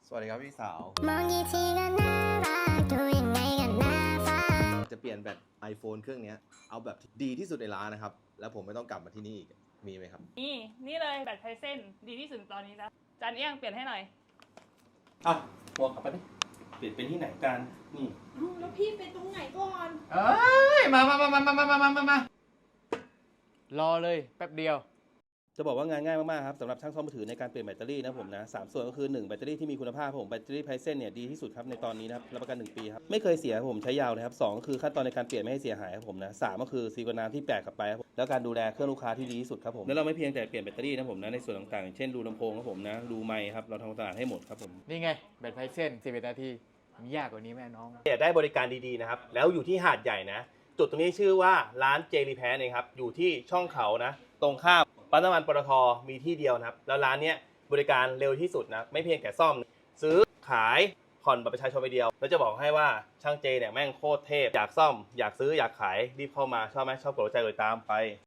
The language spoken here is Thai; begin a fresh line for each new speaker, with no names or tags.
สวัสดีครับพี่สาว
มองกี่ทีก็น่ารักดูยังไงก็น่าฟัง
จะเปลี่ยนแบต iPhone เครื่องนี้เอาแบบดีที่สุดในร้านนะครับแล้วผมไม่ต้องกลับมาที่นี่อีกมีไหมครับ
นี่เลยแบตไทเซนดีที่สุดตอนนี้แล้วจานเอี้ยงเปลี่ยนให้หน่อย
เอาหัวกลับไปดิเปลี่ยนเป็นที่ไหนกันนี่
แล้วพี่ไปตรงไหนก่อน
เอ้ยมารอเลยแป๊บเดียว
จะบอกว่างานง่ายมากๆครับสำหรับช่างซ่อมมือถือในการเปลี่ยนแบตเตอรี่นะผมนะ3ส่วนก็คือ1แบตเตอรี่ที่มีคุณภาพผมแบตเตอรี่ไพเซนเนี่ยดีที่สุดครับในตอนนี้นะครับรับประกัน 1 ปีครับไม่เคยเสียผมใช้ยาวนะครับ2ก็คือขั้นตอนในการเปลี่ยนไม่ให้เสียหายครับผมนะ3ก็คือซีกว่าน้ำที่แปลกกลับไปครับแล้วการดูแลเครื่องลูกค้าที่ดีที่สุดครับผมแล้วเราไม่เพียงแต่เปลี่ยนแบตเตอรี่นะผมนะในส่วนต่างๆเช่นรูลำโพงครับผมนะรูไมค์ครับเราทำความสะอาดให้หมดครับผม
นี่ไงแบตไพเซน11 นาทีมียากกว่านี้แม่น้อง
อยากได้บริการดีๆนะครับแล้วอยู่ที่หาดใหญ่นะจุดตรงนี้ชื่อว่าร้านเจรีแพนเองครับอยู่ที่ช่องเขานะตรงข้ามปั๊มน้ำมันปตทมีที่เดียวนะครับแล้วร้านเนี้ยบริการเร็วที่สุดนะไม่เพียงแต่ซ่อมซื้อขายผ่อนบัตรประชาชนไปเดียวแล้วจะบอกให้ว่าช่างเจเนี่ยแม่งโคตรเทพอยากซ่อมอยากซื้ออยากขายรีบเข้ามาชอบไหมชอบกดหัวใจเลยตามไป